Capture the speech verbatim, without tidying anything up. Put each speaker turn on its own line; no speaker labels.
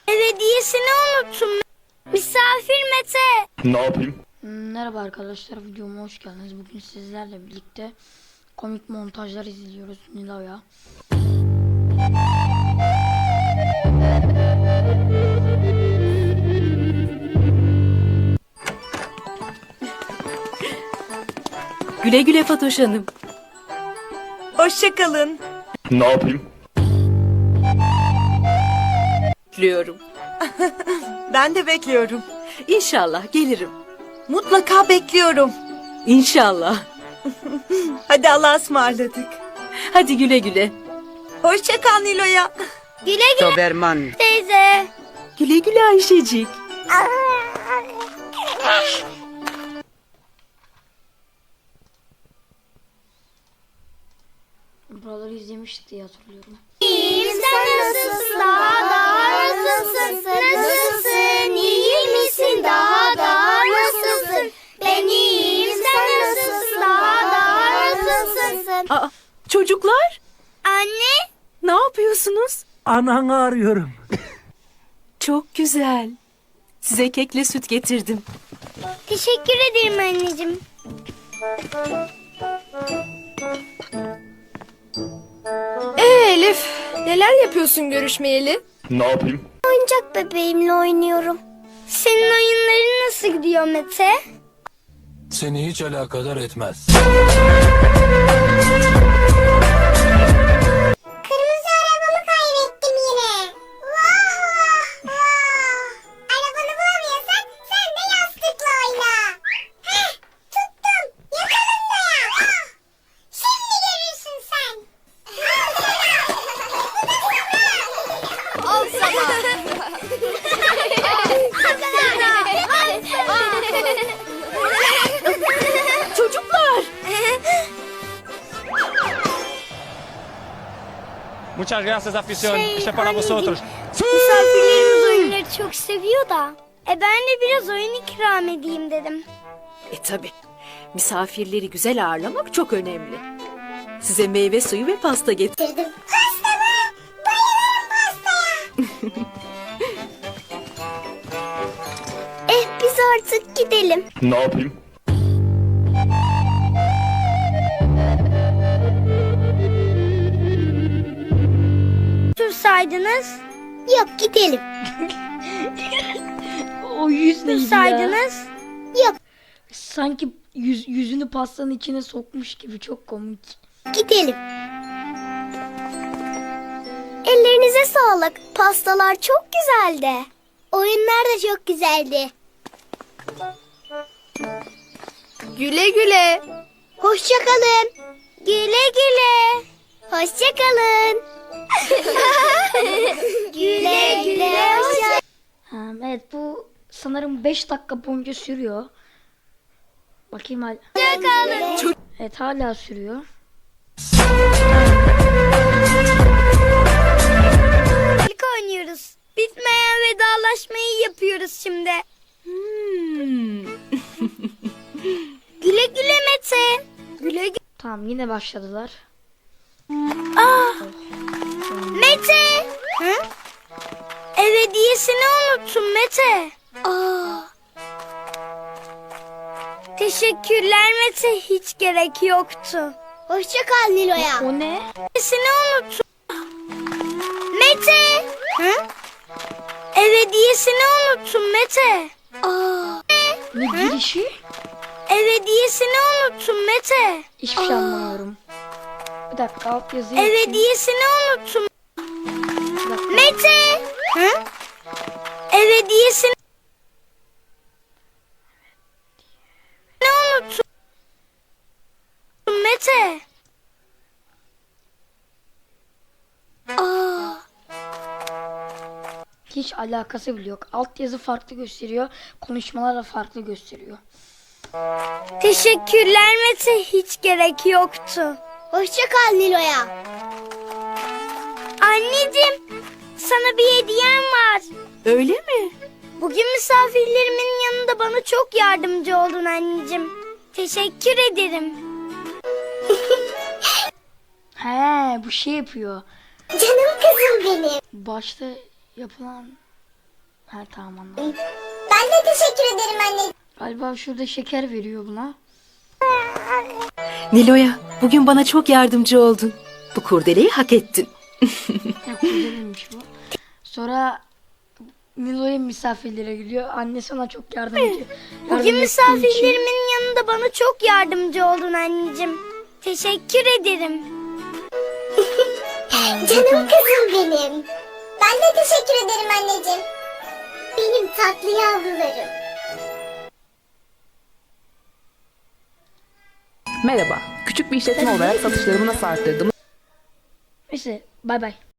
Ev hediyesini unuttum. Misafir Mete.
Ne yapayım?
Merhaba arkadaşlar, videoma hoş geldiniz. Bugün sizlerle birlikte komik montajlar izliyoruz Nilo'ya.
Güle güle Fatoş Hanım.
Hoşça kalın.
Ne yapayım?
Bekliyorum.
Ben de bekliyorum.
İnşallah gelirim.
Mutlaka bekliyorum.
İnşallah.
Hadi Allah'a ısmarladık.
Hadi güle güle.
Hoşça kal Nilo'ya.
Güle güle
Doberman.
teyze.
Güle güle Ayşecik.
Buraları izlemiştik diye hatırlıyorum.
İyiyim, sen nasılsın? Daha daha nasılsın? Nasılsın? İyi misin? Daha daha nasılsın? Ben iyiyim, sen nasılsın? Daha daha nasılsın?
Aa, çocuklar
Anne.
ne yapıyorsunuz?
Ananı arıyorum.
Çok güzel. Size kekle süt getirdim.
Teşekkür ederim anneciğim.
Ee Elif, neler yapıyorsun görüşmeyeli?
Ne yapayım?
Oyuncak bebeğimle oynuyorum. Senin oyunların nasıl gidiyor Mete?
Seni hiç alakadar etmez.
Kırmızı arabamı kaybettim yine. Vah vah vah. Arabanı bulamıyorsan sen de yastıkla oyna. Heh, tuttum. Yakalım da ya. Ah, şimdi görürsün sen. Al sana.
Çocuklar.
Muchas gracias, afición.
Şey,
Este para
anneciğim,
vosotros.
Misafirlerimiz oyunları çok seviyor da. E ben de biraz oyun ikram edeyim dedim.
E tabi. Misafirleri güzel ağırlamak çok önemli. Size meyve suyu ve pasta getirdim.
Dedim. Pasta mı? Bayılırım pastaya. eh biz artık gidelim.
Ne yapayım?
Dursaydınız. Yok gidelim.
O yüz neydi ya?
Dursaydınız. Yok
Sanki yüz, yüzünü pastanın içine sokmuş gibi, çok komik.
gidelim. Ellerinize sağlık. Pastalar çok güzeldi. Oyunlar da çok güzeldi.
Güle güle.
Hoşça kalın. Güle güle. Hoşça kalın. güle güle. Hoşça
Ha, evet, bu sanırım beş dakika boyunca sürüyor. Bakayım hala.
kalın.
Evet, hala sürüyor.
İlk oynuyoruz. Bitmeyen vedalaşmayı yapıyoruz şimdi.
Hmm.
Güle güle Mete. Güle güle.
Tamam, yine başladılar.
Mete. Hı? Ev hediyesini unuttum Mete. Aa. Teşekkürler Mete. Hiç gerek yoktu. Hoşça kal Nilo'ya.
O ne?
Hediyesini unuttum. Mete. Hı? Ev hediyesini unuttum Mete. Aa.
Ne girişi?
Ev hediyesini unuttum Mete.
Hiçbir şey anlamıyorum. Bir dakika, alt yazıyı
Ev
açayım.
hediyesini unuttum.
Bir dakika.
Mete. Hı? Ev hediyesini unuttum. Mete. Aa.
Hiç alakası bile yok. Alt yazı farklı gösteriyor. Konuşmalar da farklı gösteriyor.
Teşekkürler Mete. Hiç gerek yoktu. Hoşça kal Nilo'ya. Anneciğim, sana bir hediyem var.
Öyle mi?
Bugün misafirlerimin yanında bana çok yardımcı oldun anneciğim. Teşekkür ederim.
He, bu şey yapıyor.
Canım kızım benim.
Başta yapılan Ha tamam anladım.
Ben de teşekkür ederim anne.
Galiba şurada şeker veriyor buna.
Nilo'ya bugün bana çok yardımcı oldun. Bu kurdeleyi hak ettin.
Ya güzelmiş bu. Sonra Nilo'ya misafirlere gidiyor. Annesi ona çok yardım ediyor. Yardım
Bugün
ettiği
misafirlerimin yanında bana çok yardımcı oldun anneciğim. Teşekkür ederim. Canım kızım benim. Ben de teşekkür ederim anneciğim. Benim tatlı yavrularım.
Merhaba, küçük bir işletme olarak satışlarımı nasıl arttırdım?
Neyse bay bay.